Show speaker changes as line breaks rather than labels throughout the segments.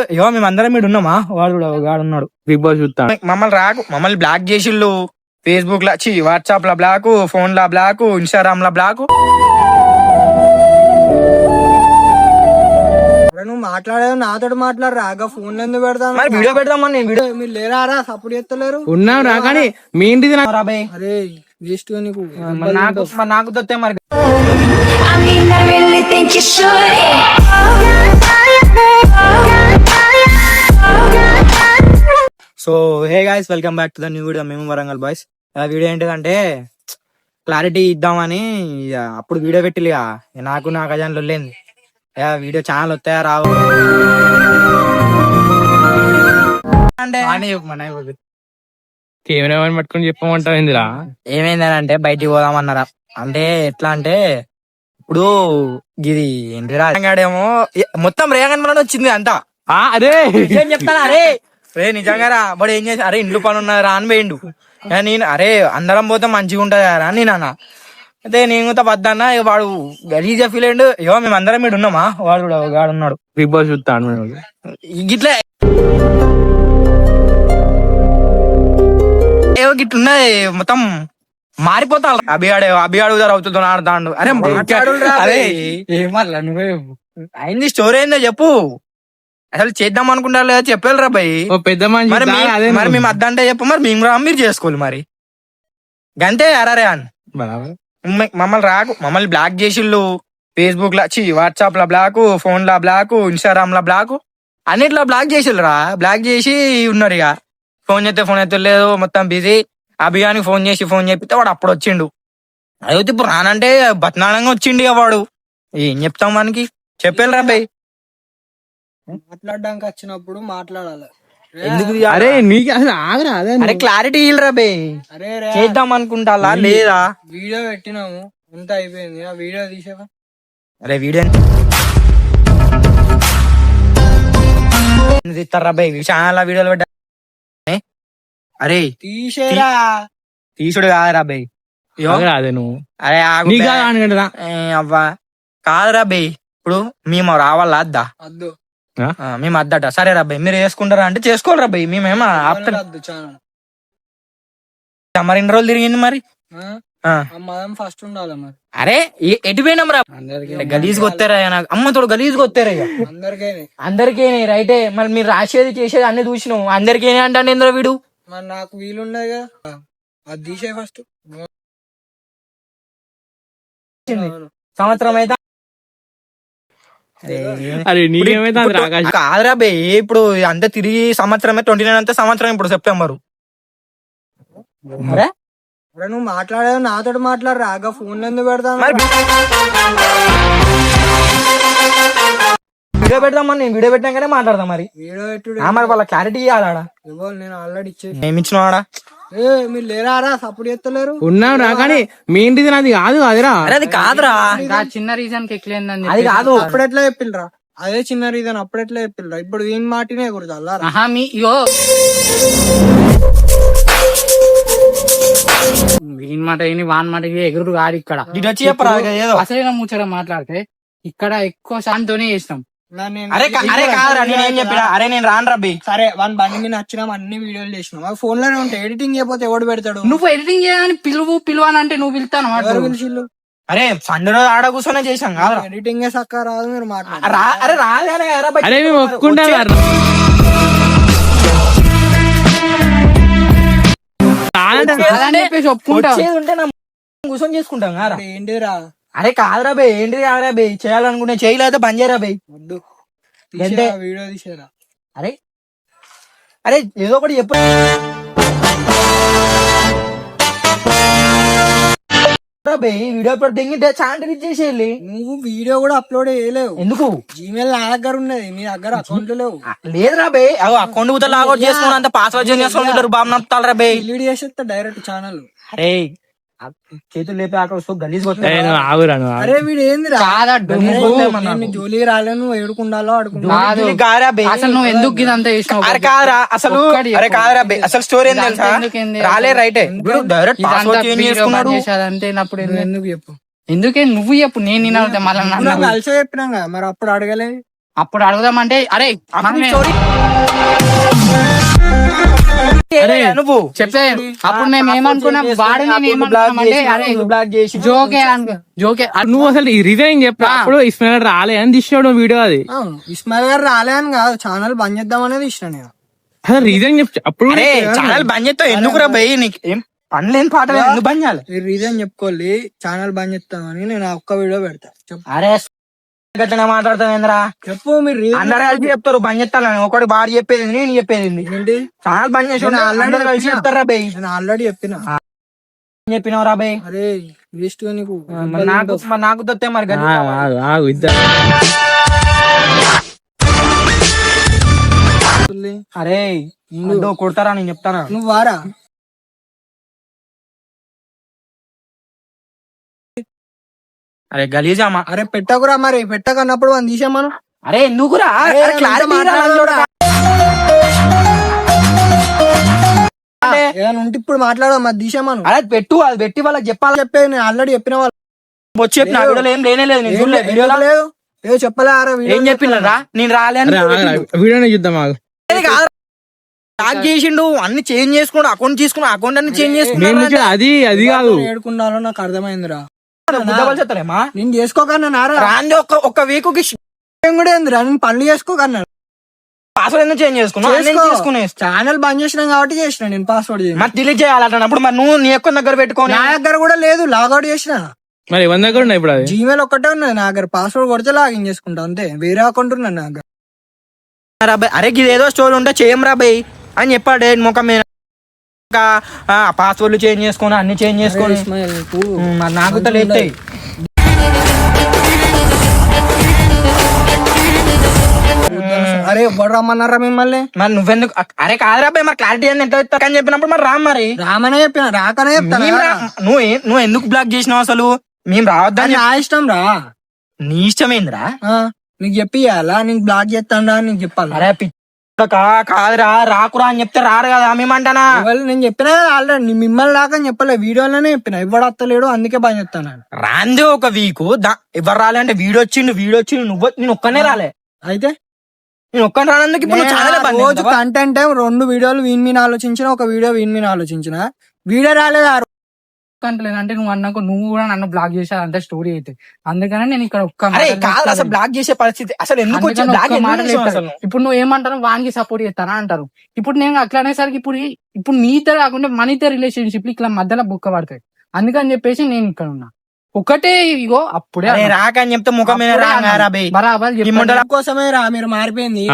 ఇగో మేమందరం మీరు ఉన్నామా, వాడు కూడా ఉన్నాడు
బిగ్ బాస్ చూస్తా.
మమ్మల్ని బ్లాక్ చేసిళ్ళు. ఫేస్బుక్ లా వాట్సాప్ లా బ్లాక్, ఫోన్ లా బ్లాక్, ఇన్స్టాగ్రామ్ లా బ్లాక్.
నువ్వు మాట్లాడేది నాతో మాట్లాడరా, ఫోన్ ఎందుకు పెడతాను?
మరి వీడియో పెడదామని నేను వీడియో
మీరు లేరా సపోర్ట్ చేస్తలేరు.
ఉన్నావు రా, కానీ మీ ఇంటిది
రాబాయ్.
అరే వేస్ట్ నీకు.
నాకు దొత్తే మరి.
I mean, I really think you should.
So hey guys, welcome back to the new video. మేము వరంగల్ బాయ్స్. ఆ వీడియో ఏంటిదంటే క్లారిటీ ఇద్దామని అప్పుడు వీడియో పెట్టిలి. నాకు అజాన్ లొల్లేంది. వీడియో ఛానల్ వస్తాయా రావు అంటే
కెమెరా పట్టుకుని చెప్పమంటావు ఏందిరా?
ఏమైందనంటే బయటికి పోదామన్నారా. అంటే ఎట్లా అంటే ఇప్పుడు ఇది ఏంటి రాగాడేమో మొత్తం రేగన్ వచ్చింది అంతా.
అదే
ఏం చెప్తాను అరే రే నిజంగా రా బడు ఏం చేసి అరే ఇంట్లో పని ఉన్నది రా అని పోయిండు. నేను అరే అందరం పోతే మంచిగా ఉంటది రా అని నేను అన్న. అయితే నేను వద్దన్నా, వాడు గలీజా ఫీల్ అయ్యిండు. ఇగో మేము అందరం మీరు ఉన్నామా, వాడు కూడా ఉన్నాడు
బిగ్ బాస్ చూస్తాను
గిట్లే. ఏవో గిట్లున్నది మొత్తం మారిపోతా. అభిగాడు అవుతుందో ఆడుతాడు. అరే మాట్లాడు అరే
ఏమల్లా నువ్వే
అయింది స్టోరీ ఏందో చెప్పు. అసలు చేద్దాం అనుకుంటారు లేదా చెప్పారు రా భయ్.
పెద్ద
మరి మేము అద్దంటే చెప్పు, మరి మేము మీరు చేసుకోవాలి మరి గంతే. అరే అని మమ్మల్ని బ్లాక్ చేసిళ్ళు. ఫేస్బుక్ లా వాట్సాప్ లా బ్లాక్, ఫోన్ లా బ్లాక్, ఇన్స్టాగ్రామ్ లా బ్లాక్, అన్నిట్లో బ్లాక్ చేసిళ్ళు రా. బ్లాక్ చేసి ఉన్నారు. ఇక ఫోన్ చేస్తే లేదు, మొత్తం బిజీ. అభియానికి ఫోన్ చెప్పితే వాడు అప్పుడు వచ్చిండు. అయితే ఇప్పుడు రానంటే బతనాడంగా వచ్చిండు. ఇక వాడు ఏం చెప్తాం మనకి, చెప్పాను రా భయ్.
మాట్లాడడానికి వచ్చినప్పుడు మాట్లాడాలి.
ఎందుకు
అరే నీకు అసలు ఆగరా?
అరే క్లారిటీ ఇల్రా బే.
అరే
చేద్దాం అనుకుంటా లేదా?
వీడియో పెట్టినాము, ఎంత అయిపోయింది. ఆ వీడియో తీసేవా?
అరే వీడియో తీస్తారా బై? ఛానల్ వీడియోలు పెట్టా. అరే
తీసేరా.
తీసుడు కాదురా బై.
అదే నువ్వు
అరే
అవ్వా
కాదురా బై. ఇప్పుడు మేము రావాలా అద్దా?
వద్దు
మేము అద్దట. సరే రాబాయ్ మీరు వేసుకుంటారా అంటే చేసుకోవాలి రాబాయ్. మేమేమో ఆపుతాం. మరి ఎన్ని రోజులు తిరిగింది మరి?
ఫస్ట్ ఉండాలి మరి.
అరే ఎటు పోయినాం రా? గలీజ్గా వస్తారా? అమ్మతోడు గలీజ్గా వస్తారా? అందరికీ రైటే. మరి మీరు రాసేది చేసేది అన్ని చూసినాం. అందరికీ అంటే ఇందులో వీడు
మరి నాకు వీలున్నాయి కదా, అది తీసే ఫస్ట్.
సంవత్సరం అయితే కాదురా బే. ఇప్పుడు అంతా తిరిగి సంవత్సరమే. 29 అంతా సంవత్సరం. ఇప్పుడు సెప్టెంబర్.
నువ్వు మాట్లాడేది నాతో మాట్లాడరా, ఫోన్ ఎందుకు పెడతాను?
వీడియో పెడదామని నేను వీడియో పెట్టాకనే మాట్లాడదాం. మరి
వీడియో పెట్టుడు
మరి వాళ్ళ క్లారిటీ ఇవ్వాలా?
నేను ఆల్రెడీ ఇచ్చేసి.
ఏమి ఇచ్చినావాడా?
మీరు లేరా సపోర్ట్ చేస్తలేరు.
ఉన్నావు రా, కానీ మీ ఇంటిది నాది కాదు. అదిరా
అది కాదురా,
చిన్న రీజన్ కి ఎక్కిలేందని
అది కాదు.
అప్పుడెట్లా చెప్పిల్రా? అదే చిన్న రీజన్ అప్పుడెట్లా చెప్పిల్రా? ఇప్పుడు ఏం మాటినే కూడదు అల్లారా.
వీని మాట వాన్ మాట ఎగురు కాదు. ఇక్కడ
వచ్చి చెప్పరా
అసలు ముచ్చట మాట్లాడితే ఇక్కడ ఎక్కువ శాంతోనే చేస్తాం.
అరే కాదురా, నేనేం చెప్పినా? అరే నేను రాను రబ్బి.
సరే వన్ బండి మీద నచ్చినాం, అన్ని వీడియోలు చేసినాం. ఫోన్ లోనే ఉంటాయి. ఎడిటింగ్ చేయకపోతే ఎవడు పెడతాడు?
నువ్వు ఎడిటింగ్ చేయని పిలువనంటే నువ్వు పిలుతాను.
పిలిచిల్లు?
అరే సండే రోజు ఆడ కూర్చొనే చేసాం కాదు.
ఎడిటింగ్ సక్క రాదు. మీరు
అరే రాదు.
అరే మేము ఒప్పుకుంటాం.
ఉంటే కూర్చొని చేసుకుంటాం కదా.
ఏంటిరా?
అరే కాదురా బే. ఏంటిది కాదురా బే. చేయాలనుకుంటే చేయలేదో పని చేయరా బే.
వద్దు వీడియో తీసేరా.
అరే ఏదో ఒకటి చెప్పు. వీడియో దింగితే ఛానల్ ఇచ్చేసేయాలి.
నువ్వు వీడియో కూడా అప్లోడ్ చేయలేవు.
ఎందుకు?
జీమెయిల్ నా దగ్గర ఉన్నది, మీ దగ్గర అకౌంట్ లేవు.
లేదురా బే. అకౌంట్ కూడా లాగౌట్ చేసుకుని అంత పాస్వర్డ్ చేంజ్ చేసుకుంటారు. బాబు నడుపుతారా బే.
డిలీట్ చేసేస్తా డైరెక్ట్ ఛానల్.
అరే చేతులు లేపే అక్కడ గలీజ్.
అరే వీడు ఏందిరా? జోలికి రాలే. నువ్వు ఏడుకుండాలో
అసలు నువ్వు ఎందుకు ఇదంతా చేసినావు?
అరే కాదురా అసలు. అరే కాదురా బే. అసలు స్టోరీ ఏం తెలుసా? రాలే రైటే. డైరెక్ట్ పాస్వర్డ్ చేంజ్ చేసుకున్నాడు.
అంతేనప్పుడు
ఎందుకు చెప్పు?
ఎందుకే నువ్వు చెప్పు. నేను మళ్ళీ
కలిసే చెప్పినా కదా, మరి అప్పుడు అడగలే.
అప్పుడు అడుగుదామంటే అరే
అరే నువ్వు
చెప్తే అప్పుడు మేము ఏమనుకున్నాం వాడు నేను ఏమనుకున్నామంటే అరే
బ్లాక్ చేసి
జోకే జోకే
నువ్వు అసలు ఈ రీజన్ చెప్పా అప్పుడు ఇస్మాయిల్ రాలే అని తీసినాడు వీడియో అది.
ఇస్మాయిల్ గారు రాలే అని కాదు, ఛానల్ బంద్ చేద్దాం అనేది ఇష్టం నేను.
అసలు రీజన్ చెప్పు అప్పుడు.
అరే ఛానల్ బంద్ చేస్తావు ఎందుకురా భయ్? నీకు ఏం పనిలేని పాట ఎందుకు బంద్ చేయాలి?
రీజన్ చెప్పుకోవాలి, ఛానల్ బంద్ చేస్తామని నేను ఒక్క వీడియో పెడతా. చెప్పు.
అరే గట్టిగా మాట్లాడతావేంద్రా?
చెప్పు మీరు reason
అందరు కలిసి చెప్తారు బంద్ చేస్తాను. ఒకటి బాగా చెప్పేది నేను చెప్పేది
ఏంటి?
ఛానల్ బంద్ చేసి
నేను already
అందరూ కలిసి
చెప్పినా.
చెప్తారా భయ్?
నేను ఆల్రెడీ చెప్పిన.
చెప్పినావు రా భయ్.
అరే వేస్ట్ గా నీకు
నాకు దొత్తే మరి గది.
ఆగు ఇద్దరు.
అరే ముందు కొడతారా నేను చెప్తానా?
నువ్వు వారా
అరే గలీజామా.
అరే పెట్టకురా, మరి పెట్టకన్నప్పుడు మనం తీసామను.
అరే ఎందుకురా?
అరే,
అరే, clarity రా లంజోడా.
ఏదైనా ఉంటే ఇప్పుడు మాట్లాడదాం, మరి తీసామను.
అరే పెట్టు, అది పెట్టి వాళ్ళకి చెప్పాలి.
చెప్పే నేను ఆల్రెడీ చెప్పిన వాళ్ళు
వచ్చి చెప్పిన వీడియోలో ఏం లేనే లేదు. నేను చూడలేదు వీడియోలో.
లేదు ఏదో చెప్పలే.
ఏం చెప్పినరా? నేను రాలే
వీడియోనే చూద్దాం ఆగు.
బ్లాక్ చేసిండు, అన్ని చేంజ్ చేసుకున్నాడు, అకౌంట్ తీసుకున్నా, అకౌంట్ అన్ని చేంజ్
నేను
చేసుకున్నాడు.
అది అది కాదు.
ఏడుకున్నాలో నాకు అర్థమైందిరా.
చెప్తారేమా
నేను చేసుకోకన్నా నారా
రాంది ఒక్క వీక్ కి
కూడా ఏందిరా, నేను పనులు చేసుకోకన్నా.
పాస్వర్డ్ ఎందుకు చేంజ్ చేసుకున్నా?
ఛానల్ బంద్ చేసినాం కాబట్టి చేసిన నేను పాస్వర్డ్
మరి డిలీట్ చేయాలంటున్నప్పుడు మరి నువ్వు నీ యొక్క దగ్గర పెట్టుకోని.
నా దగ్గర కూడా లేదు, లాగౌట్ చేసిన.
మరి 100 దగ్గర ఉన్నాయి ఇప్పుడు అది.
జీమెయిల్ ఒక్కటే ఉన్నది నా దగ్గర, పాస్వర్డ్ కొడితే లాగిన్ చేసుకుంటా అంతే. వేరే అకౌంట్ ఉన్నది నా దగ్గర.
అరే ఇది ఏదో స్టోరీ ఉంటే చేయం రా బయ్ అని చెప్పాడు ముఖం మీద. పాస్వర్డ్లు చేంజ్ చేసుకొని అన్ని చేంజ్ చేసుకొని మరి నాకు తెలియదు.
అరే ఎవ్వడు రమ్మన్నారా మిమ్మల్ని?
మరి నువ్వెందుకు? అరే కాదురా బయ్, మరి క్లారిటీ అని ఎట్లా ఇస్తా అని చెప్పినప్పుడు మరి రా. మరి
రామనే చెప్పిన, రాకనే చెప్తాను.
నువ్వు ఎందుకు బ్లాక్ చేసినావు అసలు? మేము రావద్దని.
నా ఇష్టం రా.
నీ ఇష్టమేంద్రా?
నీకు చెప్పియాలా? నీకు బ్లాక్ చేస్తాడా నీకు చెప్పాలి.
అరే కాదురా, రాకురా అని చెప్తే రారు కదా మేమంటానా?
నేను చెప్పినా ఆల్రెడీ, మిమ్మల్ని దాకా అని చెప్పలే, వీడియోలోనే చెప్పిన. ఇవ్వడు వస్తలేడు అందుకే బాగా చెప్తాను.
రాంది ఒక వీక్ ఎవరు రాలే అంటే వీడియో వచ్చిండు నువ్వు, నేను ఒక్కనే రాలే.
అయితే
నేను ఒక్కని రానందుకు ఇప్పుడు నువ్వు ఛానల్ బంద్
రోజు కంటెంట్ 2 వీడియోలు వీన్ మీద ఆలోచించిన, ఒక వీడియో వీన్ మీద ఆలోచించిన. వీడియో రాలేదు ఆ
అంటలేదు అంటే నువ్వు అన్నాక నువ్వు కూడా నన్ను బ్లాక్ చేసావు అంత స్టోరీ అయితే. అందుకనే నేను ఇక్కడ ఒక్క
అరే కాదు అసలు బ్లాక్ చేసే పరిస్థితి అసలు ఎందుకు వచ్చింది? బ్లాక్
ఇప్పుడు నువ్వు ఏమంటారు, వానికి సపోర్ట్ చేస్తానా అంటారు. ఇప్పుడు నేను అట్లా అనేసరికి ఇప్పుడు నీ ఇద్దరు కాకుండా మన ఇద్దరు రిలేషన్షిప్ ఇట్లా మధ్యలో బుక్క పడతాయి. అందుకని చెప్పేసి నేను ఇక్కడ ఉన్నా. ఒకటే ఇగో అప్పుడే
రాకని చెప్తే ముఖం మీద
బరాబర్
కోసమే రా మీరు మారిపోయింది.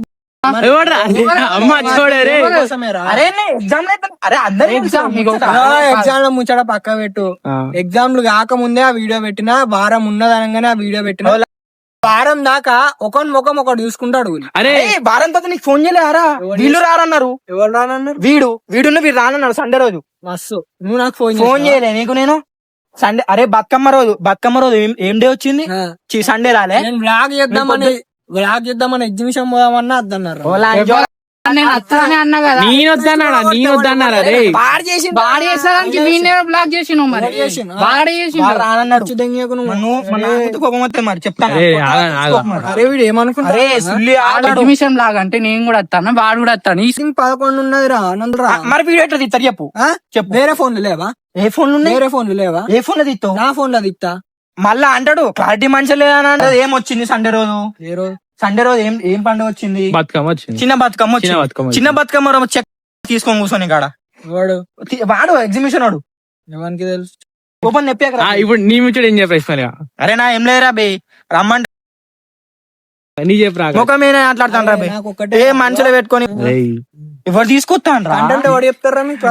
అమ్మ చూడరే
ఎగ్జామ్ లో ముచ్చట పక్క పెట్టు. ఎగ్జామ్లు కాకముందే ఆ వీడియో పెట్టినా, వారం ఉన్నదనగానే ఆ వీడియో పెట్టిన. వారం దాకా ఒకరి ముఖం ఒకటి చూసుకుంటాడు.
అరే వారం తర్వాత నీకు ఫోన్ చేయలేరా? వీళ్ళు రారన్నారు.
ఎవరు రానన్నారు?
వీడు రానన్నారు సండే రోజు.
మస్తు నువ్వు నాకు
ఫోన్ చేయలే నీకు నేను సండే. అరే బతుకమ్మ రోజు ఏం డే వచ్చింది? సండే రాలే.
నేను బ్లాగ్ చేద్దామని ఎగ్జిబిషన్ పోదామన్నా అద్దన్నారు.
నేను అత్తనే అన్నా కదా.
నేను వద్దన్నారా రే?
బ్లాక్ చేసి మరి
మరి చెప్తాను.
అరే వీడు
ఏమనుకుంటా లాగా అంటే నేను కూడా వస్తాను, వాడు కూడా వస్తాను.
11 ఉన్నది రా నందురా.
మరి వీడియో ఎట్లా తీస్తారు చెప్పు.
వేరే ఫోన్లు లేవా?
ఏ ఫోన్
వేరే ఫోన్లు లేవా?
ఏ ఫోన్ లో తీస్తావు?
నా ఫోన్ లో తీస్తా.
మళ్ళా అంటాడు క్లారిటీ మంచిగా లేదని అంటాడు. ఏమొచ్చింది సండే రోజు? సండే రోజు ఏం పండుగ వచ్చింది?
బతుకమ్మ వచ్చింది.
చిన్న బతుకమ్మ రోజు చెక్ తీసుకొని కూర్చొని కాడ వాడు ఎగ్జిబిషన్ వాడు
ఎవరికి తెలుసు?
ఓపెన్ చెప్పాక
ఇప్పుడు నీ ముచ్చడు ఏం చెప్పేసి.
అరే నా ఏం లేరా బే, రమ్మంటే
నీ చెప్పరా
ముఖం మీద మాట్లాడతాను రా బే. ఏ మనుషులు పెట్టుకొని ఎవరు తీసుకొస్తాను రా?
ఎవరు చెప్తారా మీకు?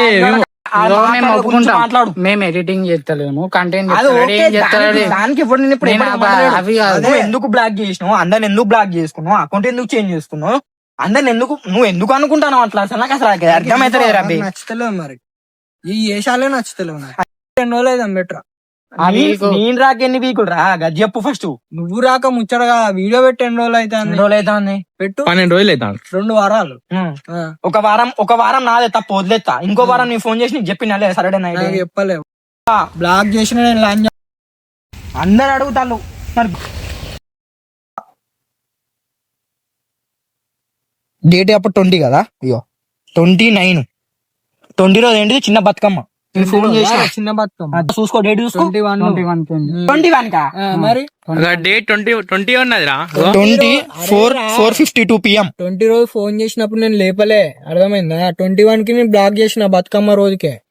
మేము ఎడిటింగ్ చేస్తలేము, కంటెంట్
దానికి ఎందుకు బ్లాక్ చేసినావు? అందరిని ఎందుకు బ్లాక్ చేసుకున్నావు? అకౌంట్ ఎందుకు చేంజ్ చేసుకున్నావు? అందరిని నువ్వు ఎందుకు అనుకుంటావు అట్లా? అసలు నాకు అసలు అర్థమైతే
నచ్చుతలేవు మరి ఈ ఏషాలే నచ్చుతలేవు. 2 రోజులు అయితే బెటర్.
నేను రాక ఎన్ని వీకులు రా గది చెప్పు ఫస్ట్.
నువ్వు రాక ముచ్చటగా వీడియో పెట్టి 2 రోజులు అయితే పెట్టు.
12 రోజులు అవుతాను.
2 వారాలు.
ఒక వారం నాదే తప్పు వదిలేస్తా. ఇంకో వారం నీ ఫోన్ చేసి నీకు చెప్పినా సరే నైట్
చెప్పలేవు. బ్లాక్ చేసిన నేను
అందరు అడుగుతాను మరి డేట్ అప్పుడు 20 కదా, ఇగో 29 రోజు ఏంటిది చిన్న బతుకమ్మ. నేను ఫోన్ చేసిన
చిన్న బతుకమ్మ
చూసుకో, డేట్ చూసుకో.
21
కా
మరి
డేట్ 20 ఉన్నదిరా.
4:52 PM.
20 రోజు ఫోన్ చేసినప్పుడు నేను లేపలే, అర్థమైందా? 21 కి నేను బ్లాక్ చేసిన బతుకమ్మ రోజుకే.